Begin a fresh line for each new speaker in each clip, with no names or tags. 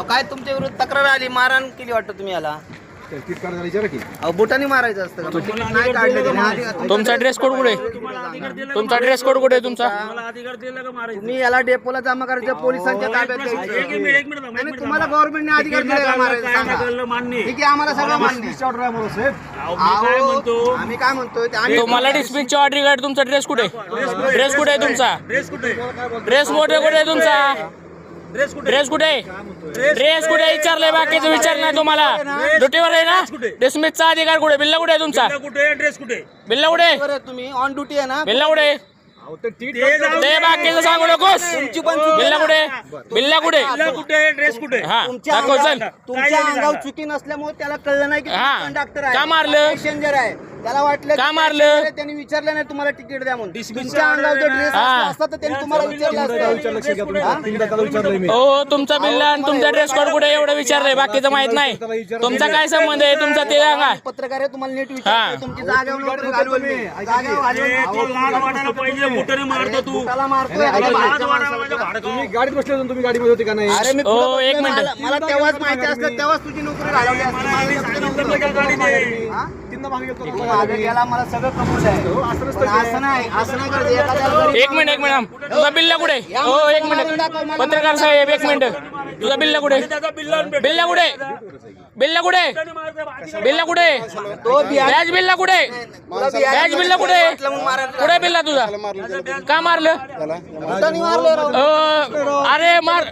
काय तुमच्या विरुद्ध तक्रार आली, मारहाण केली वाटतं तुम्ही याला? बुटाने मारायचं असतं का? नाही काढलं त्याने आधी.
तुमचा ड्रेस कोड कुठे? तुमचा ड्रेस कोड कुठे तुमचा?
तुम्ही याला डेपोला जमा करायचं, पोलिसांच्या ताब्यात द्यायचं. आणि तुम्हाला गव्हर्नमेंटने अधिकार दिले का मारायचं? सांगा. ठीक आहे, आम्हाला सगळं मान्य आहे. आम्ही काय म्हणतोय ते आम्ही
तुम्हाला डिस्मिसची ऑर्डर काढ. तुमचा ड्रेस कुठे? ड्रेस कुठे आहे तुमचा? ड्रेस मोठे कुठे आहे तुमचा? ड्रेस कुठे? ड्रेस कुठे विचारलंय? बाकीचं विचार नाही तुम्हाला. ड्युटीवर आहे ना? डिस्मिसचा अधिकार कुठे? बिल्ला कुठे आहे तुमचा?
ड्रेस कुठे?
बिल्ला कुठे?
तुम्ही ऑन ड्युटी आहे ना?
बिल्ला कुठे? ते बाकीचं सांगू नकोस. बिल्ला कुठे? बिल्ला कुठे?
ड्रेस कुठे?
हा
तुमच्या
दाखव चल.
तुमच्या अंगावर चुकी नसल्यामुळे त्याला कळलं नाही की
हा.
कंडक्टर आहे,
का मारलं?
पॅसेंजर आहे. त्याला वाटलं
का
की
मारलं?
passenger आहे, त्यांनी विचारलं नाही तुम्हाला तिकीट द्या म्हणून. तुमच्या अंगावर जर ड्रेस
हा.
असता तर त्यांनी तुम्हाला विचारलं असतं.
हो तुमचा बिल्ला आणि तुमचा ड्रेस कोड कुठे एवढं विचारलंय, बाकीचं माहित नाही. तुमचा काय संबंध आहे? तुमचा ते सांगा.
पत्रकार आहे, तुम्हाला नीट
हा.
विचारलं. तुमची जागेवर नोकरी घालवली. जागेवर त्याला मारतोय.
तुम्ही गाडीत बसले होते, तुम्ही गाडीमध्ये होते का नाही?
अरे मी
ओ,
पुढं
एक
बसलोय.
मिनिट.
मला तेव्हाच माहिती असतं, तेव्हाच तुझी नोकरी घालवली असती. मला लक्षात नव्हतं. हा?
तीनदा मागे गेलतो.
तू मागे गेला, मला सगळं कबूल आहे. पण असं नाही करायचं. एखाद्याला जरी-
एक मिनिट तुझा बिल्ला कुठे? हो एक मिनिट पत्रकार साहेब, एक मिनिट. तुझा बिल्ला कुठे? बिल्ला कुठे? बिल्ला कुठे? बिल्ला कुठे?
तो बिहार-
बॅच बिल्ला कुठे?
तुला बिहार-
बॅच बिल्ला कुठे?
वाटलं म्हणून मारायला
कुठे बिल्ला तुझा? का मारलं?
बुटाने मारलं राव.
अरे मार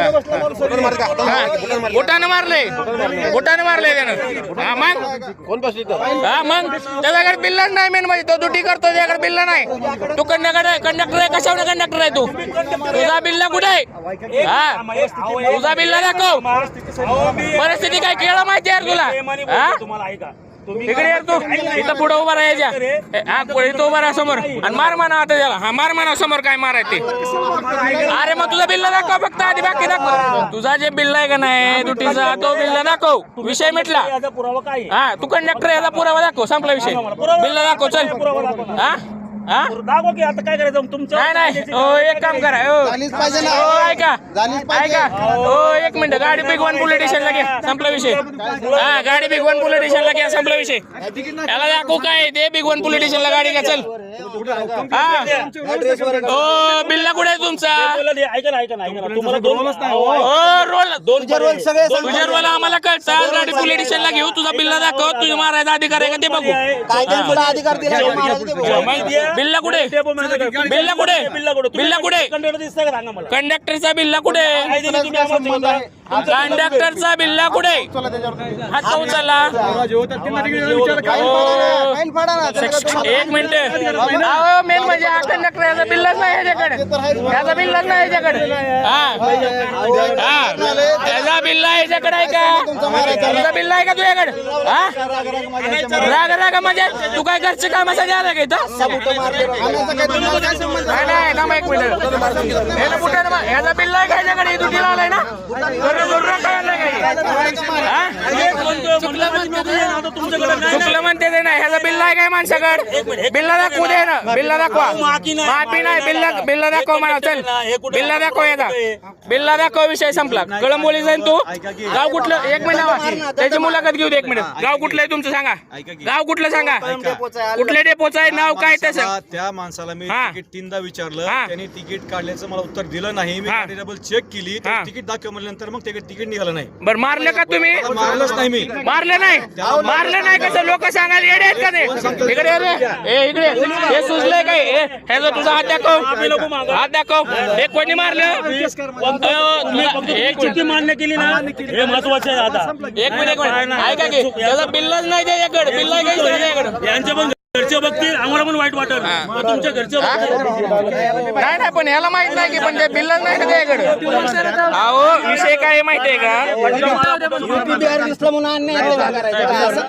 बोटाने मारले. बोटाने मारले त्यानं. हा मग हा मग त्याच्याकडे बिल्ला नाही. मेन म्हणजे तो ड्युटी करतो, त्याच्याकडे बिल्ला नाही. तू कंडक्टर आहे कशावर कंडक्टर आहे तू? तुझा बिल्ला कुठे आहे? हा तुझा बिल्ला दाखव. परिस्थिती काय केळं माहिती यार तुला? हा इकडे यार तू इथं पुढे उभा राहायच्या. हा पुढे इथं उभा राहा समोर आणि मार म्हणा आता त्याला. हा मार म्हणा समोर. काय मारायचं ते? अरे मग तुझा बिल्ला दाखव फक्त आधी, बाकी दाखव. तुझा जे बिल्ला आहे का नाही ड्युटीचा, तो बिल्ला दाखव. विषय मिटला. हा तू कंडक्टर, याचा पुरावा दाखव. संपला विषय. बिल्ला दाखव चल. हा हा
दाखवा की आता काय करायचं तुमचं.
नाही हो एक काम करा. हो ऐका हो एक मिनिट. गाडी बिग वन पोलीस स्टेशनला घ्या. संपला विषय. हा गाडी बिग वन पोलीस स्टेशनला घ्या. संपला विषय. याला दाखवू काय ते? बिग वन पोलीस स्टेशनला गाडी घ्या चल. हा हो बिल्ला कुठे आहे तुमचा?
ऐका ना तुम्हाला दोन
हो रोल
तुझे रोल सगळे सांग.
तुझ्या रोल आम्हाला कळतात. गाडी पोलीस स्टेशनला घेऊ. तुझा बिल्ला दाखव. तुझ्या मारायचा अधिकार आहे का ते बघू.
काय त्यांनी तुला अधिकार दिला का मारायचं ते बघू.
बिल्ला कुठे? बिल्ला कुठे? बिल्ला कुठे?
कंडक्टर दिसतंय का सांगा मला.
कंडक्टरचा बिल्ला कुठे? कंडक्टरचा बिल्ला कुठे? हात का उचलला?
फाईन फाडा ना.
एक मिनिट. मेन म्हणजे हा कंडक्टर, याचा बिल्लाच नाही याच्याकडे. याचा बिल्लाच नाही याच्याकडे. हा याचा बिल्ला याच्याकडे आहे का? तुझा बिल्ला आहे का तुझ्याकडे? हा राग म्हणजे तू काय घरचे कामासाठी आला का इथं? नाही थांबा एक मिनिट. याला बुटाने मार. याचा बिल्ला आहे का याच्याकडे? ड्युटीला आलाय ना? चुकलं म्हणते ते नाही. ह्याचा बिल्ला आहे काय माणसाकडे? बिल्ला दाखवू दे ना. बिल्ला दाखवा. माफी नाही. बिल्ला दाखव म्हणा चल. बिल्ला दाखव. याचा बिल्ला दाखव. विषय संपला. कळंबोली जाईन तू. गाव कुठलं? एक मिनिट त्याची मुलाखत घेऊ दे. एक मिनिट. गाव कुठलं आहे तुमचं सांगा. गाव कुठलं सांगा. कुठल्या डेपोचं आहे? नाव काय तसं?
त्या माणसाला मी तिकीट तीनदा विचारलं. त्यांनी तिकीट काढल्याचं मला उत्तर दिलं नाही. मी गाडी डबल चेक केली. तिकीट दाखव म्हणल्यानंतर मग तिकीट निघालं नाही.
बरं मारलं का तुम्ही?
मारलंच नाही मी.
मारलं नाही. कसं लोक सांगायला येडे आहेत का ते? इकडे रे. इकडे हे सुचलंय काय? ह्याचा तुझा हात दाखव. हात दाखव. हे कोणी मारलं?
चुकी मान्य केली ना, हे महत्वाचं आहे. आता
एक मिनिट ऐका की त्याचा बिल्लाच नाही त्याच्याकडे. बिल्ला काही त्याच्याकडे.
यांच्या पण घरचे बघतील, आम्हाला पण वाईट वाटत. तुमच्या घरचे
नाही पण ह्याला माहित नाही की पण ते बिल्लाच नाही का त्याच्याकडे. अहो विषय काय माहितीये का?
बिहार दिसलं म्हणून अन्याय करायचा.